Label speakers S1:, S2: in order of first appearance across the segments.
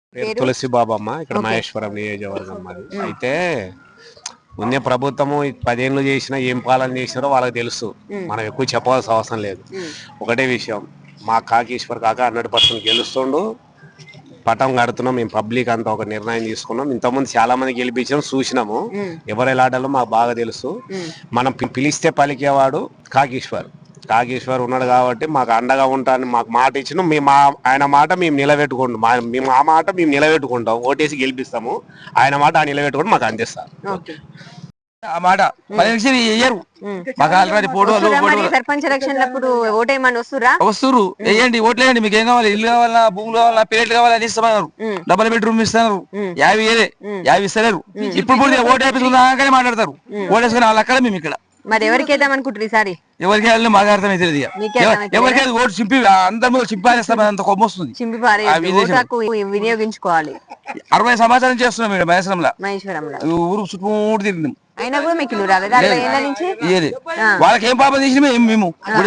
S1: పేరు తులసి బాబమ్మ. ఇక్కడ మహేశ్వరం నియోజకవర్గం మాది. అయితే ఉన్న ప్రభుత్వము 10 ఏళ్ళు చేసినా ఏం పాలన చేసినారో వాళ్ళకి తెలుసు. మనం ఎక్కువ చెప్పాల్సిన అవసరం లేదు. ఒకటే విషయం, మా కాకీశ్వర్ కాక 100% గెలుస్తుండు. పటం కడుతున్నాం మేము, పబ్లిక్ అంతా ఒక నిర్ణయం తీసుకున్నాం. ఇంతకుముందు చాలా మంది గెలిపించాం, చూసినాము. ఎవరు ఎలాడాలో మాకు బాగా తెలుసు. మనం పిలిస్తే పలికేవాడు కాకీశ్వర్ ఉన్నాడు కాబట్టి మాకు అండగా ఉంటాను. మాకు మాట ఇచ్చిన మేము ఆయన మాట మేము నిలబెట్టుకుంటాం. మేము ఆ మాట మేము నిలబెట్టుకుంటాం. ఓటేసి గెలిపిస్తాము. ఆయన మాట ఆ నిలబెట్టుకుంటూ మాకు అందిస్తారు.
S2: ఆ మాట 10 లక్షలు వేయరు. మాకు ఆల్రెడీ
S3: సర్పంచ్ ఎలక్షన్లప్పుడు ఓటేయమని
S2: వస్తురు. వేయండి, ఓట్లు వేయండి. మీకు ఏం కావాలి? ఇల్లు కావాలా, భూములు కావాలా, పేరెంట్ కావాలా అని ఇస్తున్నారు. డబల్ బెడ్రూమ్ ఇస్తున్నారు. 50 ఇస్తలేరు. ఇప్పుడు ఓటు వేపించుకుందాకనే మాట్లాడతారు. ఓటేసుకుని వాళ్ళ అక్కడ మేము ఇక్కడ.
S3: మరి ఎవరికి వేద్దాం అనుకుంటారు ఈసారి?
S2: ఎవరికి వెళ్ళి మాకు అర్థమైతే ఎవరికి ఓటు చింపి అందరి మీద చింపారేస్తాం. అంత కొమ్మ వస్తుంది.
S3: వినియోగించుకోవాలి.
S2: 60 సంవత్సరాలు చేస్తున్నాం మేడం
S3: మహేశ్వరంలో.
S2: ఊరు చుట్టూ తిరిగినాం.
S3: అయినా కూడా మీకు
S2: వాళ్ళకి ఏం పాపం చేసిన మేము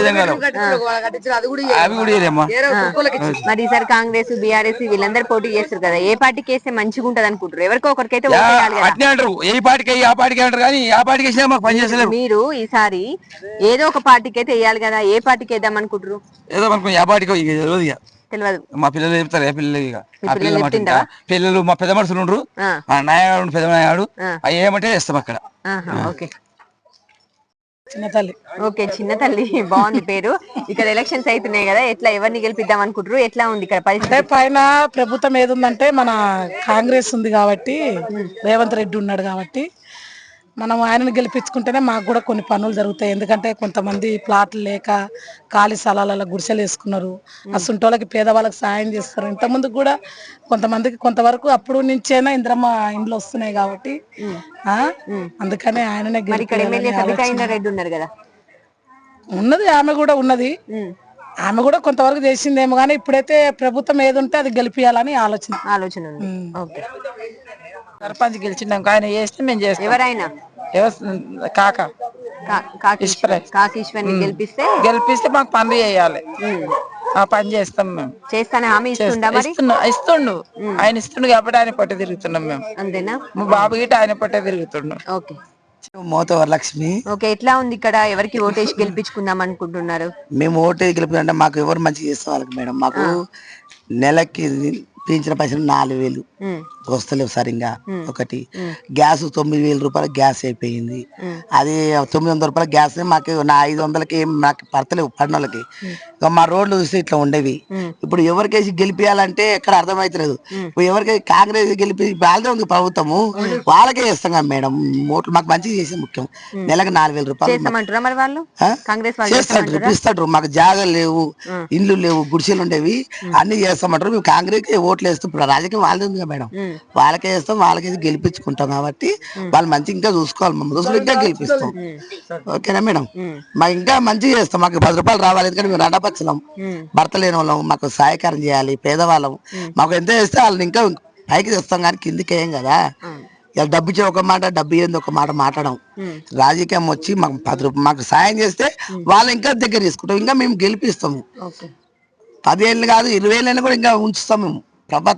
S3: మరి ఈసారి కాంగ్రెస్ బీఆర్ఎస్ వీళ్ళందరూ పోటీ చేస్తారు కదా, ఏ పార్టీకి వేస్తే మంచిగా ఉంటది అనుకుంటారు? ఎవరికో ఒకరికైతే
S2: అట్నే అంటారు. ఏ పార్టీకి ఆ పార్టీకి అంటారు, కానీ ఆ పార్టీకి వేసినా మాకు పని చేస్తలేరు.
S3: మీరు ఈసారి ఏదో ఒక పార్టీకి అయితే వేయాలి కదా, ఏ పార్టీకి వేద్దాం అనుకుంటారు?
S2: ఏదో మనకు ఆ పార్టీకి తెలియదు. మా పిల్లలు చెప్తారు. ఏ పిల్లలు మా పెద్ద మనుషులు ఉండరు, నాయగాడు పెద్ద నాయగాడు ఏమంటే వేస్తాం అక్కడ.
S3: చిన్న తల్లి బాగుంది పేరు. ఇక్కడ ఎలక్షన్స్ అవుతున్నాయి కదా, ఎట్లా ఎవరిని గెలిపిద్దాం అనుకుంటారు? ఎట్లా ఉంది ఇక్కడ పరిస్థితి?
S4: పైన ప్రభుత్వం ఏది ఉందంటే మన కాంగ్రెస్ ఉంది కాబట్టి, రేవంత్ రెడ్డి ఉన్నాడు కాబట్టి మనం ఆయనను గెలిపించుకుంటేనే మాకు కూడా కొన్ని పనులు జరుగుతాయి. ఎందుకంటే కొంతమంది ప్లాట్లు లేక ఖాళీ స్థలాలలో గుడిసెలు వేసుకున్నారు. అసంటోళ్ళకి పేదవాళ్ళకి సాయం చేస్తారు. ఇంతకుముందు కూడా కొంతమందికి కొంతవరకు అప్పుడు నుంచైనా ఇంద్రమ్మ ఇండ్లు వస్తున్నాయి కాబట్టి అందుకనే ఆయననే ఉన్నది. ఆమె కూడా ఉన్నది. ఆమె కూడా కొంతవరకు చేసిందేమో కానీ ఇప్పుడైతే ప్రభుత్వం ఏది ఉంటే అది గెలిపియాలని ఆలోచన
S5: సర్పంచ్ గెలిచినాక ఆయన చేస్తే మేము చేస్తాం.
S3: ఎవరైనా కాకీశ్వరిని
S5: గెలిపిస్తే మాకు పనులు చేయాలి. ఆ పని చేస్తాం మేము.
S3: చేస్తానే హామీ
S5: ఇస్తుండు. ఆయన ఇస్తుండు కాబట్టి ఆయన పొట్ట తిరుగుతున్నాం మేము.
S3: అంతేనా?
S5: మా బాబు గిట్ట ఆయన పొట్ట తిరుగుతుండు.
S3: ఓకే.
S6: మోతవరలక్ష్మి.
S3: ఓకే, ఎట్లా ఉంది ఇక్కడ? ఎవరికి ఓటేసి గెలిపించుకుందాం అనుకుంటున్నారు?
S6: మేము ఓటేసి గెలిపించాలంటే మాకు ఎవరు మంచి చేస్తే వాళ్ళకి మేడం. మాకు నెలకి పెంచిన పైసలు 4,000 వస్తలేవు సరిగ్గా. ఒకటి గ్యాస్ 9,000 రూపాయల గ్యాస్ అయిపోయింది. అది 900 రూపాయల గ్యాస్ మాకు 500కి నాకు పడతలేవు పడినోళ్ళకి. మా రోడ్లు చూస్తే ఇట్లా ఉండేవి. ఇప్పుడు ఎవరికేసి గెలిపియాలంటే ఎక్కడ అర్థమైతలేదు. ఇప్పుడు ఎవరికైతే కాంగ్రెస్ గెలిపి వాళ్ళదే ఉంది ప్రభుత్వము, వాళ్ళకే చేస్తాం కదా మేడం. ఓట్లు మాకు మంచిగా చేసే ముఖ్యం. నెలకు 4,000 రూపాయలు చేస్తాడు, ఇస్తాడు. మాకు జాగాలు లేవు, ఇండ్లు లేవు, గుడిసెలు ఉండేవి, అన్ని చేస్తామంటారు. మేము కాంగ్రెస్ ఓట్లు వేస్తాం. ఇప్పుడు రాజకీయం వాళ్ళది ఉంది కదా మేడం, వాళ్ళకే వేస్తాం. వాళ్ళకేసి గెలిపించుకుంటాం కాబట్టి వాళ్ళు మంచి ఇంకా చూసుకోవాలి. మా దోస్తులు ఇంకా గెలిపిస్తాం. ఓకేనా మేడం? మాకు ఇంకా మంచిగా చేస్తాం. మాకు 10 రూపాయలు రావాలి. ఎందుకంటే మేము రండపచ్చలం, భర్త లేని వాళ్ళం, మాకు సహాయకారం చేయాలి. పేదవాళ్ళం మాకు ఎంత చేస్తే వాళ్ళని ఇంకా పైకి తెస్తాం కానీ కిందికి వేయం కదా. ఇలా డబ్బు ఇచ్చే ఒక మాట, డబ్బు ఏంది ఒక మాట మాట్లాడడం. రాజకీయం వచ్చి మాకు 10 రూపాయలు మాకు సాయం చేస్తే వాళ్ళు ఇంకా దగ్గర తీసుకుంటాం. ఇంకా మేము గెలిపిస్తాము. 10 ఏళ్ళు కాదు 20 ఏళ్ళైనా కూడా ఇంకా ఉంచుతాం మేము.